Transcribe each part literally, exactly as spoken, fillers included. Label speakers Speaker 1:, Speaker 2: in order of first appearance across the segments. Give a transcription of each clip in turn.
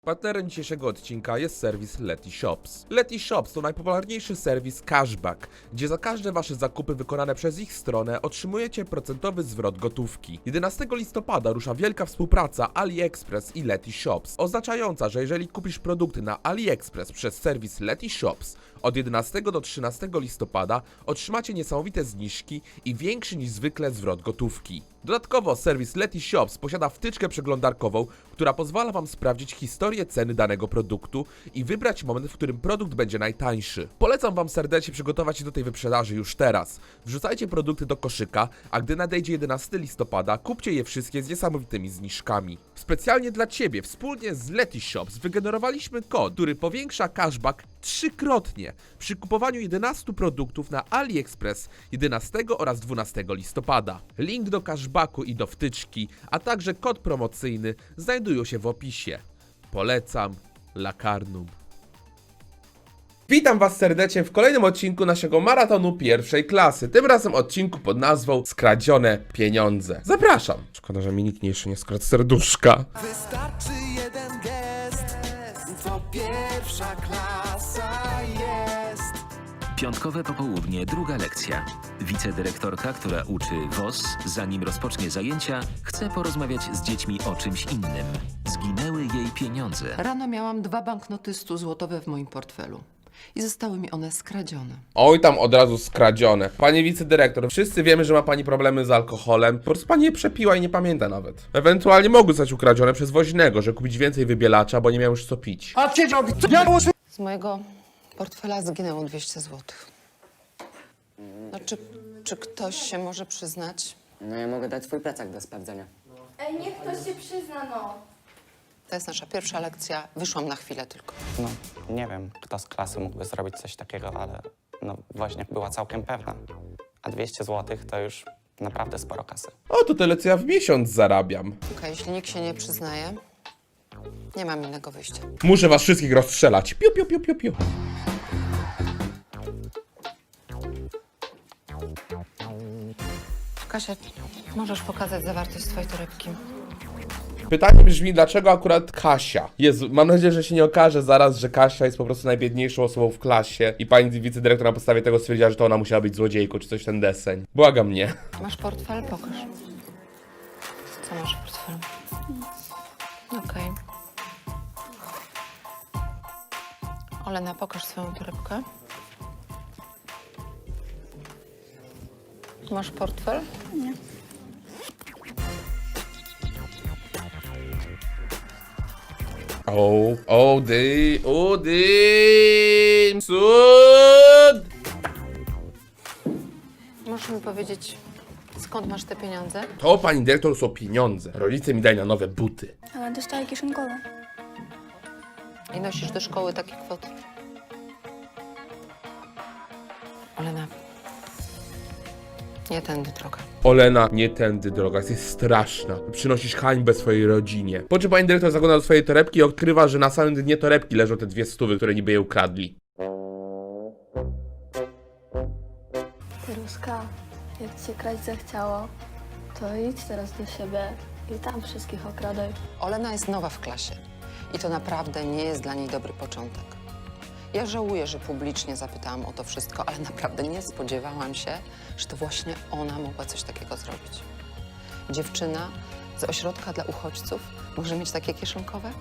Speaker 1: Partnerem dzisiejszego odcinka jest serwis Letyshops. Letyshops to najpopularniejszy serwis cashback, gdzie za każde wasze zakupy wykonane przez ich stronę otrzymujecie procentowy zwrot gotówki. jedenastego listopada rusza wielka współpraca AliExpress i Letyshops, oznaczająca, że jeżeli kupisz produkty na AliExpress przez serwis Letyshops od jedenastego do trzynastego listopada otrzymacie niesamowite zniżki i większy niż zwykle zwrot gotówki. Dodatkowo serwis Letyshops posiada wtyczkę przeglądarkową, która pozwala wam sprawdzić historię ceny danego produktu i wybrać moment, w którym produkt będzie najtańszy. Polecam wam serdecznie przygotować się do tej wyprzedaży już teraz. Wrzucajcie produkty do koszyka, a gdy nadejdzie jedenastego listopada, kupcie je wszystkie z niesamowitymi zniżkami. Specjalnie dla ciebie, wspólnie z Letyshops wygenerowaliśmy kod, który powiększa cashback trzykrotnie przy kupowaniu jedenastu produktów na AliExpress jedenastego oraz dwunastego listopada. Link do cashbacku i do wtyczki, a także kod promocyjny znajdują się w opisie. Polecam Lakarnum. Witam was serdecznie w kolejnym odcinku naszego maratonu pierwszej klasy. Tym razem odcinku pod nazwą Skradzione pieniądze. Zapraszam. Szkoda, że mi nikt jeszcze nie skradł serduszka.
Speaker 2: Wystarczy jeden gest, to pierwsza klasa jest.
Speaker 3: Piątkowe popołudnie, druga lekcja. Wicedyrektorka, która uczy W O S, zanim rozpocznie zajęcia, chce porozmawiać z dziećmi o czymś innym. Zginęły jej pieniądze.
Speaker 4: Rano miałam dwa banknoty stu złotowe w moim portfelu i zostały mi one skradzione.
Speaker 1: Oj, tam od razu skradzione. Pani wicedyrektor, wszyscy wiemy, że ma pani problemy z alkoholem. Po prostu pani je przepiła i nie pamięta nawet. Ewentualnie mogły zostać ukradzione przez woźnego, że kupić więcej wybielacza, bo nie miał już co pić.
Speaker 2: A siedział, ja muszę...
Speaker 4: Z mojego portfela zginęło dwieście złotych. No, czy, czy ktoś się może przyznać?
Speaker 5: No ja mogę dać swój plecak do sprawdzenia.
Speaker 6: Ej, niech ktoś się przyzna, no.
Speaker 4: To jest nasza pierwsza lekcja. Wyszłam na chwilę tylko.
Speaker 7: No, nie wiem, kto z klasy mógłby zrobić coś takiego, ale no właśnie była całkiem pewna. A dwieście złotych to już naprawdę sporo kasy.
Speaker 1: O, to tyle co ja w miesiąc zarabiam.
Speaker 4: Okej, jeśli nikt się nie przyznaje, nie mam innego wyjścia.
Speaker 1: Muszę was wszystkich rozstrzelać. Piu, piu, piu, piu, piu.
Speaker 4: Kasia, możesz pokazać zawartość swojej torebki?
Speaker 1: Pytanie brzmi, dlaczego akurat Kasia? Jezu, mam nadzieję, że się nie okaże zaraz, że Kasia jest po prostu najbiedniejszą osobą w klasie i pani wicedyrektor na podstawie tego stwierdziła, że to ona musiała być złodziejką, czy coś ten deseń. Błagam mnie.
Speaker 4: Masz portfel? Pokaż. Co masz w portfelu? Okej. Olena, pokaż swoją torebkę. Masz portfel? Nie.
Speaker 1: O, o, dy, o, dy, cud!
Speaker 4: Możesz mi powiedzieć, skąd masz te pieniądze?
Speaker 1: To, pani dyrektor, są pieniądze. Rodzice mi dali na nowe buty.
Speaker 6: Ale dostaję kieszonkowe.
Speaker 4: I nosisz do szkoły takie kwoty? Olena, nie tędy droga.
Speaker 1: Olena, nie tędy droga, jesteś straszna. Przynosisz hańbę swojej rodzinie. Po czym pani dyrektor zagląda do swojej torebki i odkrywa, że na samym dnie torebki leżą te dwie stówy, które niby je ukradli.
Speaker 8: Ruska, jak ci się kraść zachciało, to idź teraz do siebie i tam wszystkich okradaj.
Speaker 4: Olena jest nowa w klasie i to naprawdę nie jest dla niej dobry początek. Ja żałuję, że publicznie zapytałam o to wszystko, ale naprawdę nie spodziewałam się, że to właśnie ona mogła coś takiego zrobić. Dziewczyna z ośrodka dla uchodźców może mieć takie kieszonkowe?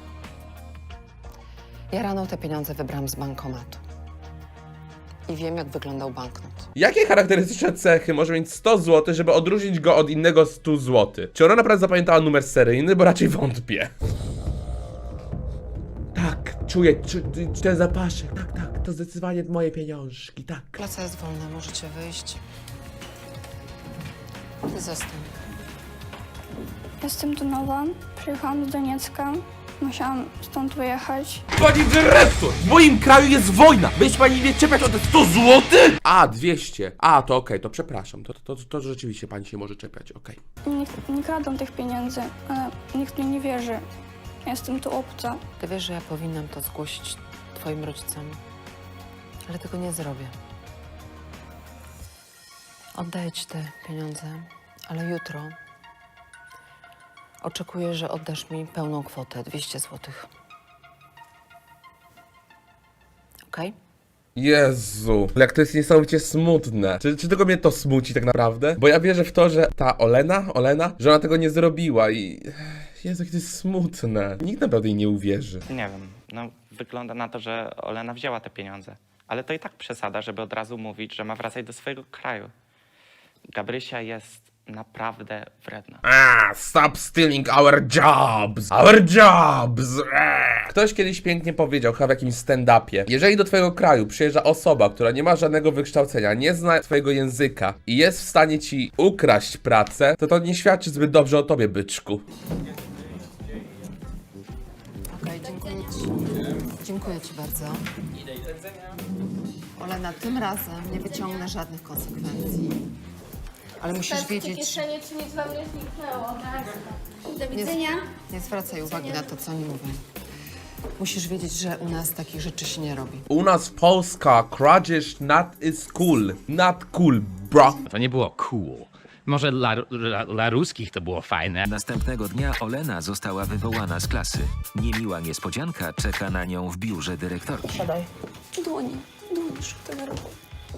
Speaker 4: Ja rano te pieniądze wybrałam z bankomatu i wiem, jak wyglądał banknot.
Speaker 1: Jakie charakterystyczne cechy może mieć sto złotych, żeby odróżnić go od innego stu złotych? Czy ona naprawdę zapamiętała numer seryjny? Bo raczej wątpię. Tak, czuję, czu, ten zapaszek. Tak, tak, to zdecydowanie moje pieniążki, tak.
Speaker 4: Klasa jest wolna, możecie wyjść. Ty zostań.
Speaker 8: Jestem tu nowa, przyjechałam z Doniecka, musiałam stąd wyjechać.
Speaker 1: Pani dyrektor, w moim kraju jest wojna! Będzie pani nie czepiać o te sto złotych? A, dwieście. A, to okej, to przepraszam. To, to, to, to rzeczywiście pani się może czepiać, okej.
Speaker 8: Nie, nie kradą tych pieniędzy, ale nikt mi nie wierzy. Jestem tu obca.
Speaker 4: Ty wiesz, że ja powinnam to zgłosić twoim rodzicom, ale tego nie zrobię. Oddaję ci te pieniądze, ale jutro oczekuję, że oddasz mi pełną kwotę, dwieście złotych. okej?
Speaker 1: Jezu, jak to jest niesamowicie smutne. Czy, czy tylko mnie to smuci tak naprawdę? Bo ja wierzę w to, że ta Olena, Olena, że ona tego nie zrobiła i... Jezu, jak to jest smutne. Nikt naprawdę jej nie uwierzy.
Speaker 7: Nie wiem, no wygląda na to, że Olena wzięła te pieniądze. Ale to i tak przesada, żeby od razu mówić, że ma wracać do swojego kraju. Gabrysia jest naprawdę wredna.
Speaker 1: Ah, stop stealing our jobs! Our jobs! Ah. Ktoś kiedyś pięknie powiedział, chyba w jakimś stand-upie, jeżeli do twojego kraju przyjeżdża osoba, która nie ma żadnego wykształcenia, nie zna twojego języka i jest w stanie ci ukraść pracę, to to nie świadczy zbyt dobrze o tobie, byczku.
Speaker 4: Okej, dziękuję ci. Dziękuję ci bardzo. Olena, tym razem nie wyciągnę żadnych konsekwencji. Ale musisz wiedzieć...
Speaker 6: kieszenie, czy nic wam nie zniknęło, tak? Do
Speaker 4: Nie,
Speaker 6: widzenia.
Speaker 4: nie zwracaj uwagi na to, co oni mówią. Musisz wiedzieć, że u nas takich rzeczy się nie robi.
Speaker 1: U nas w Polska kradzież not is cool. Not cool, bro.
Speaker 9: To nie było cool. Może dla, dla, dla ruskich to było fajne.
Speaker 3: Następnego dnia Olena została wywołana z klasy. Niemiła niespodzianka czeka na nią w biurze dyrektorki.
Speaker 8: Dłonie, dłonie, szukaj na rogu.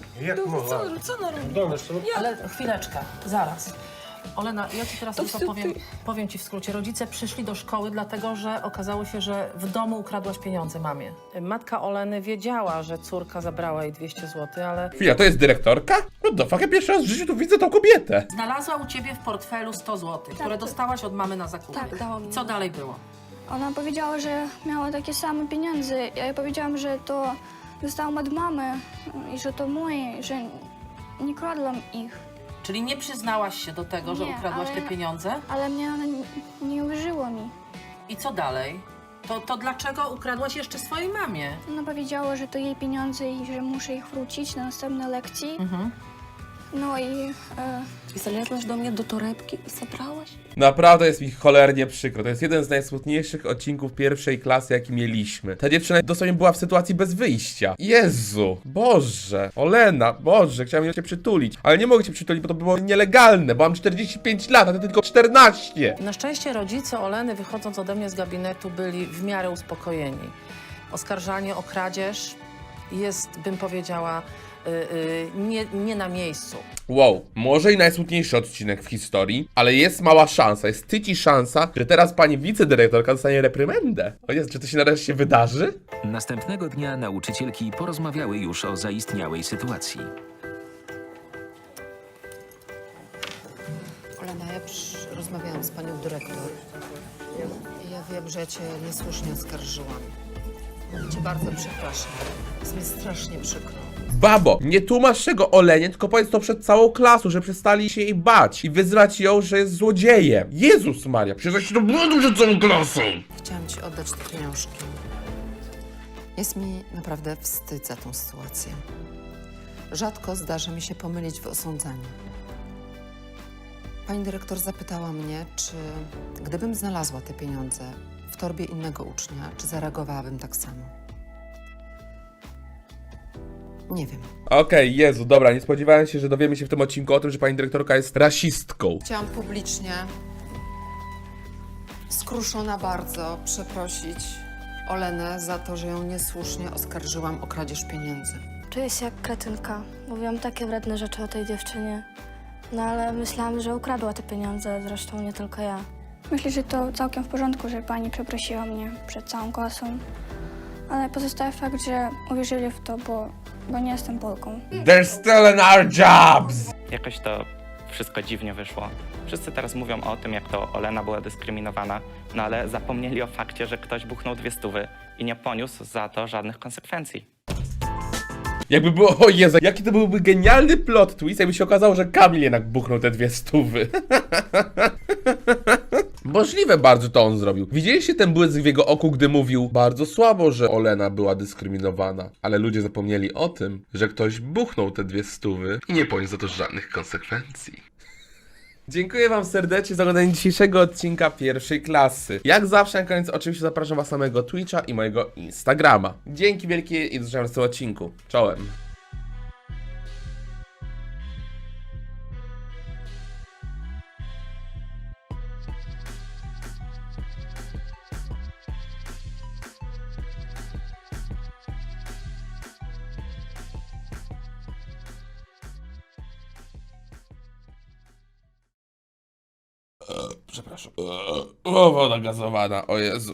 Speaker 10: Ale chwileczkę, zaraz. Olena, ja ci teraz tylko powiem, powiem ci w skrócie. Rodzice przyszli do szkoły dlatego, że okazało się, że w domu ukradłaś pieniądze mamie. Matka Oleny wiedziała, że córka zabrała jej dwieście złotych, ale
Speaker 1: Chwila, to jest dyrektorka? No do fuck, ja pierwszy raz w życiu tu widzę tą kobietę.
Speaker 10: znalazła u ciebie w portfelu sto złotych, które dostałaś od mamy na zakupy.
Speaker 8: Tak, dała mi.
Speaker 10: Co dalej było?
Speaker 6: Ona powiedziała, że miała takie same pieniądze. Ja jej powiedziałam, że to dostałam od mamy i że to moje, że nie kradłam ich.
Speaker 10: Czyli nie przyznałaś się do tego, że
Speaker 6: Nie,
Speaker 10: ukradłaś
Speaker 6: ale-
Speaker 10: te pieniądze?
Speaker 6: Ale mnie ona nie, nie uwierzyła mi.
Speaker 10: I co dalej? To, to dlaczego ukradłaś jeszcze swojej mamie?
Speaker 6: Ona powiedziała, że to jej pieniądze i że muszę ich wrócić na następnej lekcji.
Speaker 10: Mhm.
Speaker 6: No i e,
Speaker 8: I zalezłaś do mnie do torebki i zabrałaś?
Speaker 1: Naprawdę jest mi cholernie przykro. To jest jeden z najsmutniejszych odcinków pierwszej klasy, jaki mieliśmy. Ta dziewczyna dosłownie była w sytuacji bez wyjścia. Jezu, Boże, Olena, Boże, chciałem cię przytulić, ale nie mogę cię przytulić, bo to było nielegalne, bo mam czterdzieści pięć lat, a ty tylko czternaście.
Speaker 10: Na szczęście rodzice Oleny, wychodząc ode mnie z gabinetu, byli w miarę uspokojeni. Oskarżanie o kradzież jest, bym powiedziała, y, y, nie, nie na miejscu.
Speaker 1: Wow, może i najsmutniejszy odcinek w historii, ale jest mała szansa, jest tyci szansa, że teraz pani wicedyrektorka dostanie reprymendę. O Jezu, czy to się nareszcie wydarzy?
Speaker 3: Następnego dnia nauczycielki porozmawiały już o zaistniałej sytuacji.
Speaker 4: Olena, ja przy... rozmawiałam z panią dyrektor. I ja wiem, że ja cię niesłusznie oskarżyłam. Cię bardzo przepraszam. Jest mi strasznie przykro.
Speaker 1: Babo, nie tłumacz tego Olenie, tylko powiedz to przed całą klasą, że przestali się jej bać i wyzwać ją, że jest złodziejem. Jezus Maria, przyznać się do błędu przed całą klasą.
Speaker 4: Chciałam ci oddać te pieniążki. Jest mi naprawdę wstyd za tą sytuację. Rzadko zdarza mi się pomylić w osądzaniu. Pani dyrektor zapytała mnie, czy gdybym znalazła te pieniądze w torbie innego ucznia, czy zareagowałabym tak samo. Nie wiem.
Speaker 1: Okej, Jezu, dobra, nie spodziewałem się, że dowiemy się w tym odcinku o tym, że pani dyrektorka jest rasistką.
Speaker 4: Chciałam publicznie, skruszona bardzo, przeprosić Olenę za to, że ją niesłusznie oskarżyłam o kradzież pieniędzy.
Speaker 8: Czuję się jak kretynka. Mówiłam takie wredne rzeczy o tej dziewczynie. No ale myślałam, że ukradła te pieniądze, zresztą nie tylko ja.
Speaker 6: myślę, że to całkiem w porządku, że pani przeprosiła mnie przed całą klasą. Ale pozostaje fakt, że uwierzyli w to, bo, bo nie jestem Polką.
Speaker 1: They're stealing our jobs!
Speaker 7: Jakoś to wszystko dziwnie wyszło. Wszyscy teraz mówią o tym, jak to Olena była dyskryminowana, no ale zapomnieli o fakcie, że ktoś buchnął dwie stówy i nie poniósł za to żadnych konsekwencji.
Speaker 1: Jakby było, o Jezu, jaki to byłby genialny plot twist, jakby się okazało, że Kamil jednak buchnął te dwie stówy. Możliwe bardzo to on zrobił. Widzieliście ten błysk w jego oku, gdy mówił bardzo słabo, że Olena była dyskryminowana. Ale ludzie zapomnieli o tym, że ktoś buchnął te dwie stówy i nie poniósł za to żadnych konsekwencji. Dziękuję wam serdecznie za oglądanie dzisiejszego odcinka pierwszej klasy. Jak zawsze na koniec oczywiście zapraszam was na mojego Twitcha i mojego Instagrama. Dzięki wielkie i do zobaczenia w następnym odcinku. Czołem. Przepraszam. O, woda gazowana, o Jezu.